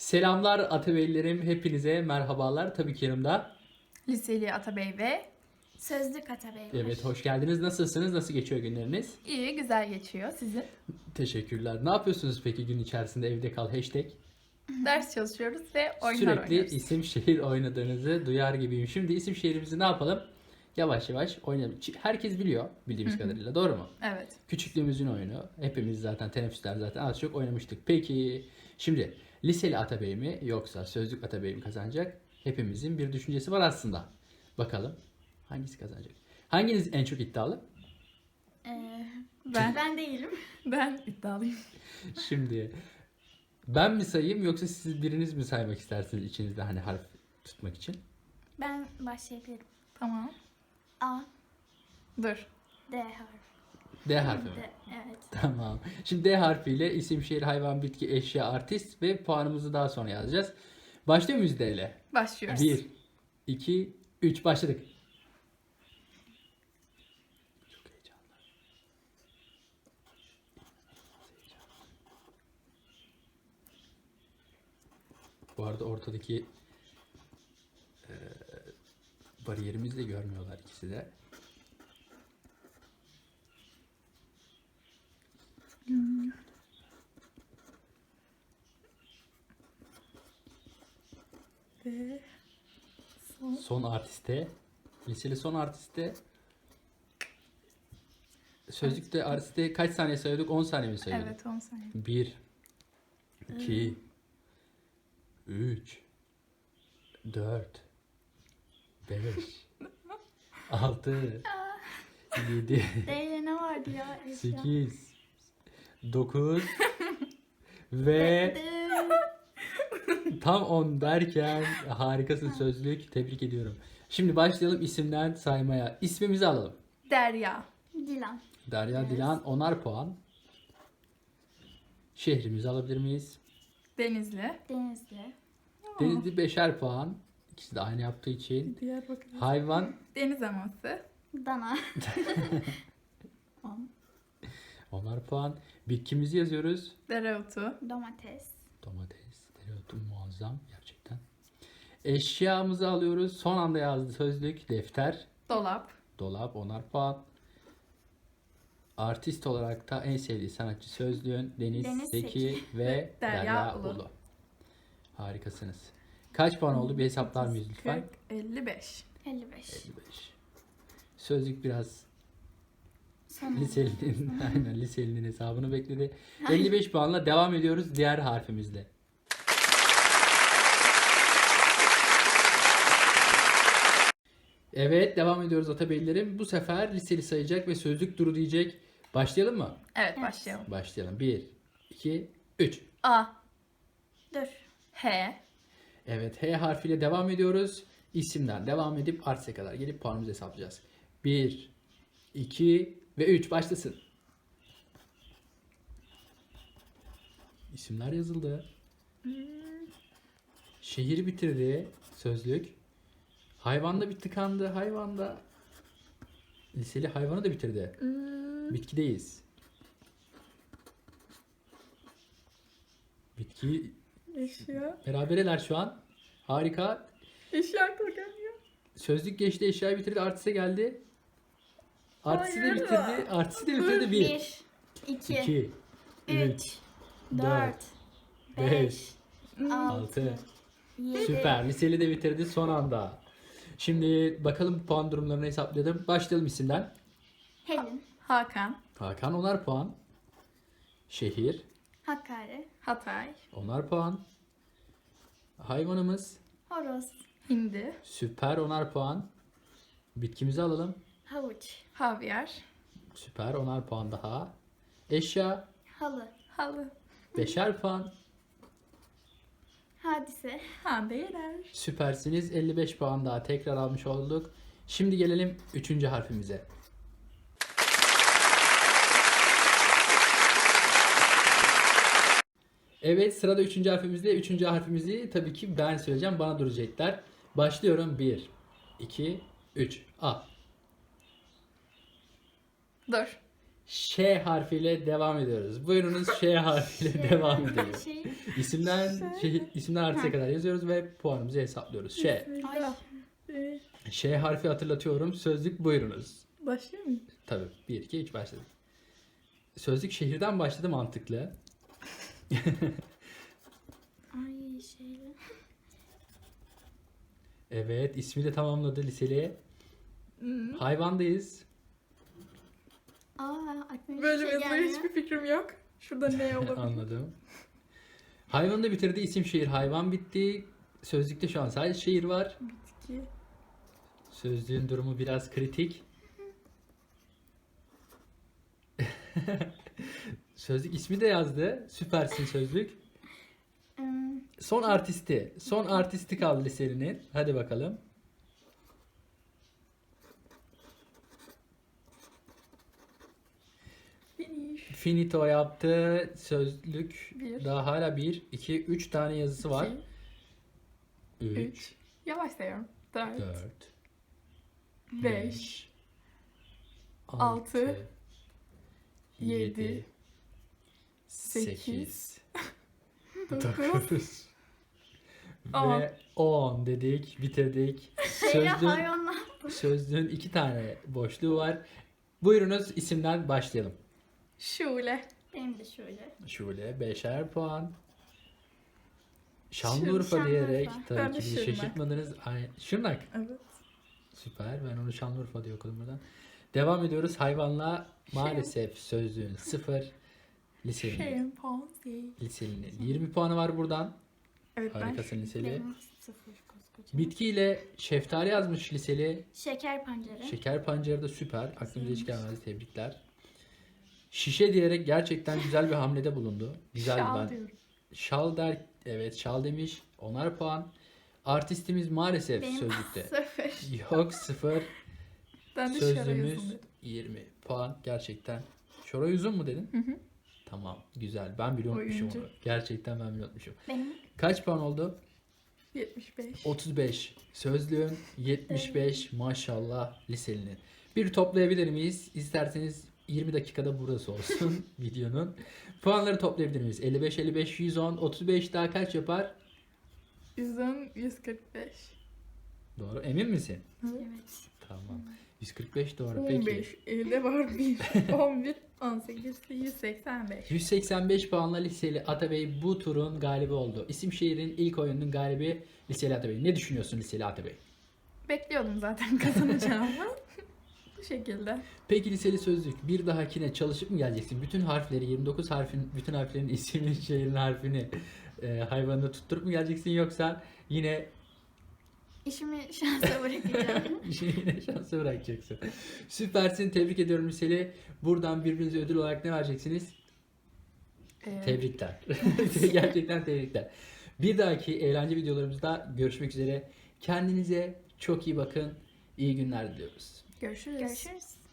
Selamlar Atabeylerim, hepinize merhabalar. Tabii ki yanımda. Liseli Atabey ve Sözlük Atabey var. Evet, hoş geldiniz. Nasılsınız? Nasıl geçiyor günleriniz? iyi, güzel geçiyor sizin. Teşekkürler. Ne yapıyorsunuz peki gün içerisinde evde kal hashtag? Ders çalışıyoruz ve oyunlar Sürekli oynuyoruz. isim şehir oynadığınızı duyar gibiyim. Şimdi isim şehrimizi ne yapalım? Yavaş yavaş oynayalım. Herkes biliyor bildiğimiz kadarıyla, doğru mu? Evet. Küçüklüğümüzün oyunu. Hepimiz zaten teneffüsler zaten az çok oynamıştık. Peki şimdi liseli Atabey mi yoksa sözlük Atabey mi kazanacak? Hepimizin bir düşüncesi var aslında. Bakalım hangisi kazanacak? Hanginiz en çok iddialı? Ben değilim. Ben iddialıyım. Şimdi ben mi sayayım yoksa siz biriniz mi saymak istersiniz içinizde hani harf tutmak için? Ben başlayabilirim. Tamam. A, Dur. D harfi. D harfi mi? D, evet. Tamam. Şimdi D harfiyle isim, şehir, hayvan, bitki, eşya, artist ve puanımızı daha sonra yazacağız. Başlıyor muyuz D ile? Başlıyoruz. 1, 2, 3 başladık. Çok heyecanlı. Bu arada ortadaki bariyerimizi de görmüyorlar ikisi de. Ve Son artiste, liseli son artiste, sözlükte artiste kaç saniye sayıyorduk? 10 saniye mi sayıyorduk? evet 10 saniye. 1, 2, 3, 4, 5, 6, 7, D ile ne vardı ya? Eşya. 8, 9 ve tam 10 derken harikasın sözlük. Tebrik ediyorum. Şimdi başlayalım isimden saymaya. İsmimizi alalım. Derya. Dilan. Derya Evet. Dilan 10'ar puan. Şehrimizi alabilir miyiz? Denizli. Denizli. Denizli 5'er puan. İkisi de aynı yaptığı için. Diyarbakır. Hayvan Deniz aması. Dana. 10'ar puan. Bitkimizi yazıyoruz. Dereotu. Domates. Domates, dereotu muazzam gerçekten. Eşyamızı alıyoruz. Son anda yazdı sözlük. Defter, Dolap. dolap 10'ar puan. Artist olarak da en sevdiği sanatçı sözlüğün Deniz, Deniz Seki Seki ve Derya Derya Ulu. Ulu. Harikasınız. Kaç puan oldu? Bir hesaplar mıyız lütfen? 40, 55. 55. 55. Sözlük biraz Son. liselinin, aynen liselinin hesabını bekledi. 55 puanla devam ediyoruz diğer harfimizle. Evet, devam ediyoruz Atabeylerim. Bu sefer liseli sayacak ve sözlük duru diyecek. Başlayalım mı? Evet başlayalım. Başlayalım. 1, 2, 3. A. Dur. H. Evet, H harfiyle devam ediyoruz. İsimden devam edip artise kadar gelip puanımızı hesaplayacağız. 1, 2 ve 3 başlasın. İsimler yazıldı. Şehir bitirdi sözlük. Hayvanda bir tıkandı. Hayvanda liseli hayvanı da bitirdi. Bitkideyiz. Bitki Eşya. berabereler şu an. Harika. Eşya aklıma gelmiyor. Sözlük geçti, eşyayı bitirdi, artiste geldi. Artisti de Hayır. bitirdi. Artisti de bitirdi. 1, 1, 2, 2, 3, 3, 4, 4, 5, 5, 6. 7. Süper. Liseli de bitirdi son anda. Şimdi bakalım puan durumlarını hesapladım. Başlayalım isimden. Helin. Hakan. Hakan 10'ar puan. Şehir Hakkari. Hatay. 10'ar puan. Hayvanımız Horoz. Hindi. süper 10'ar puan. Bitkimizi alalım. Havuç. Havyar. Süper 10'ar puan daha. Eşya Halı. Halı. 5'er puan. Hadise. Handeler. Süpersiniz. 55 puan daha tekrar almış olduk. Şimdi gelelim 3. harfimize. Evet, sırada 3. harfimizde. 3. harfimizi tabii ki ben söyleyeceğim. Bana duracaklar. Başlıyorum. 1, 2, 3. A. Dur. Ş harfiyle devam ediyoruz. Buyurunuz Ş harfiyle devam edelim. Şey. İsimden artıya kadar yazıyoruz ve puanımızı hesaplıyoruz. Ş. Bismillah. Ş harfi hatırlatıyorum. Sözlük buyurunuz. Başlıyor muyum? Tabii. 1, 2, 3 başladık. Sözlük şehirden başladı mantıklı. Ay şeyle. Evet. ismi de tamamladı liseli. Hayvandayız. Aklıma Böyle hiçbir şey yazıya gelmiyor. hiçbir fikrim yok. Şurada ne olabilir? Anladım. Hayvanı da bitirdi. İsim şehir hayvan bitti. Sözlükte şu an sadece şehir var. Bitki. Sözlüğün durumu biraz kritik. Sözlük ismi de yazdı. Süpersin sözlük. Son artisti. Son artisti kaldı lisenin. Hadi bakalım. Finish. Finito yaptı. Sözlük Bir. daha hala 1, 2, 3 tane yazısı var. 2, 3, 3. Yavaş sayıyorum. 4, 4, 5, 6, Altı, 7, yedi, 8, 9, 9 On. ve 10 dedik, bitirdik. Şeyle Sözlüğün, hayvanlar. sözlüğün 2 tane boşluğu var. Buyurunuz isimden başlayalım. Şule. Benim de şöyle. Şule 5'er puan. Şanlıurfa Şanlıurfa. diyerek Ben tabii de ki bizi Şırnak. şaşırtmadınız. Şırnak. Evet. Süper. Ben onu Şanlıurfa diye okudum buradan. Devam ediyoruz. Hayvanla maalesef sözlüğün 0. Lisenin, Şempanze. lisenin 20 puanı var buradan. Evet ben Harikasın liseli. Benim 0 koskoca. Bitkiyle şeftali yazmış liseli. Şeker pancarı. Şeker pancarı da süper. Aklımıza hiç gelmedi. Tebrikler. Şişe diyerek gerçekten güzel bir hamlede bulundu. Güzel şal ben. diyorum. Şal der. Evet şal demiş. 10'ar puan. Artistimiz maalesef Benim sözlükte. 0. Yok 0. Ben de şara Sözlüğümüz yazın dedim. 20 puan. Gerçekten. Şoray Uzun mu dedin? Hı hı. Tamam. Güzel. Ben bile unutmuşum Oyuncu. onu. Gerçekten ben bile unutmuşum. Benim Kaç puan oldu? 75. 35. Sözlüğün 75. Maşallah liselinin. Bir toplayabilir miyiz? İsterseniz 20 dakikada burası olsun videonun. Puanları toplayabilir miyiz? 55, 55, 110, 35 daha kaç yapar? 110, 145. Doğru. Emin misin? evet. Tamam. 145 doğru. Peki. 15. Elde var 1. 11. 18. 185. 185 puanla liseli Atabey bu turun galibi oldu. İsim şehrin ilk oyununun galibi liseli Atabey. Ne düşünüyorsun liseli Atabey? Bekliyordum zaten kazanacağımı. Bu şekilde. Peki liseli sözlük bir dahakine çalışıp mı geleceksin? Bütün harfleri 29 harfin bütün harflerin ismin şehrin harfini hayvanını tutturup mu geleceksin yoksa yine İşimi şansa bırakacağım. işini yine şansa bırakacaksın? Süpersin. Tebrik ediyorum liseli. Buradan birbirinize ödül olarak ne vereceksiniz? Tebrikler. Gerçekten tebrikler. Bir dahaki eğlence videolarımızda görüşmek üzere. Kendinize çok iyi bakın. İyi günler diliyoruz. Görüşürüz. Görüşürüz.